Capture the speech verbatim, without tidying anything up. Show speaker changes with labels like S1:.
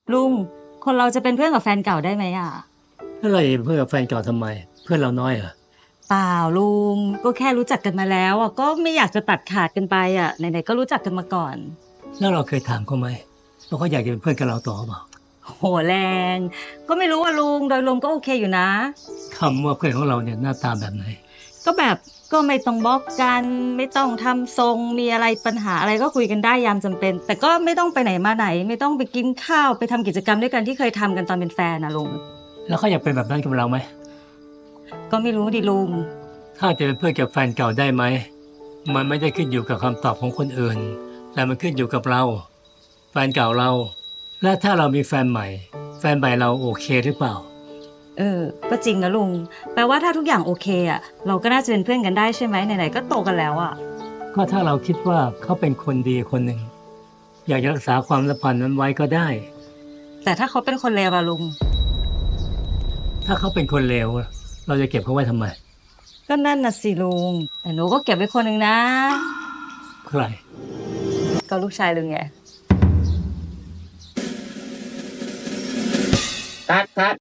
S1: ลุงคนเราจะเป็นเพื่อนกับแฟนเก่าได้ไหมอ่ะ
S2: แล้วเราจะเป็นเพื่อนกับแฟนเก่าทำไม เพื่อนเราน้อยเหรอ
S1: เปล่าลุงก็แค่รู้จักกันมาแล้วอ่ะก็ไม่อยากจะตัดขาดกันไปอ่ะไหนๆก็รู้จักกันมาก่อน
S2: แล้วเราเคยถามเขาไหมว่าเขาอยากจะเป็นเพื่อนกับเราต่อเปล่า
S1: โหแรงก็ไม่รู้ว่าลุงโดยรวมก็โอเคอยู่นะ
S2: คำว่าเพื่อนของเราเนี่ยหน้าตาแบบไหน
S1: ก็แบบก็ไม่ต้องบล็อกกันไม่ต้องทำทรงมีอะไรปัญหาอะไรก็คุยกันได้ยามจำเป็น แต่ก็ไม่ต้องไปไหนมาไหน ไม่ต้องไปกินข้าวไปทำกิจกรรมด้วยกันที่เคยทำกันตอนเป็นแฟนนะลุง
S2: แล้วเขาอยากเป็นแบบนั้นกับเราไหม
S1: ก็ไม่รู้ดิลุง
S2: ถ้าจะเป็นเพื่อนกับแฟนเก่าได้ไหมมันไม่ได้ขึ้นอยู่กับคำตอบของคนอื่น แต่มันขึ้นอยู่กับเรา แฟนเก่าเรา และถ้าเรามีแฟนใหม่ แฟนใหม่เราโอเคหรือเปล่า
S1: เออก็จริงนะลุงแปลว่าถ้าทุกอย่างโอเคอ่ะเราก็น่าจะเป็นเพื่อนกันได้ใช่ไหมไหนๆก็โตกันแล้วอ่ะ
S2: ก็ถ้าเราคิดว่าเขาเป็นคนดีคนหนึ่งอยากจะรักษาความสัมพันธ์นั้นไว้ก็ได้
S1: แต่ถ้าเขาเป็นคนเลวอะลุง
S2: ถ้าเขาเป็นคนเลวเราจะเก็บเขาไว้ทำไม
S1: ก็นั่นน่ะสิลุงแต่หนูก็เก็บไว้คนหนึ่งนะ
S2: ใคร
S1: ก็ลูกชายลุงไง
S3: คัดคัด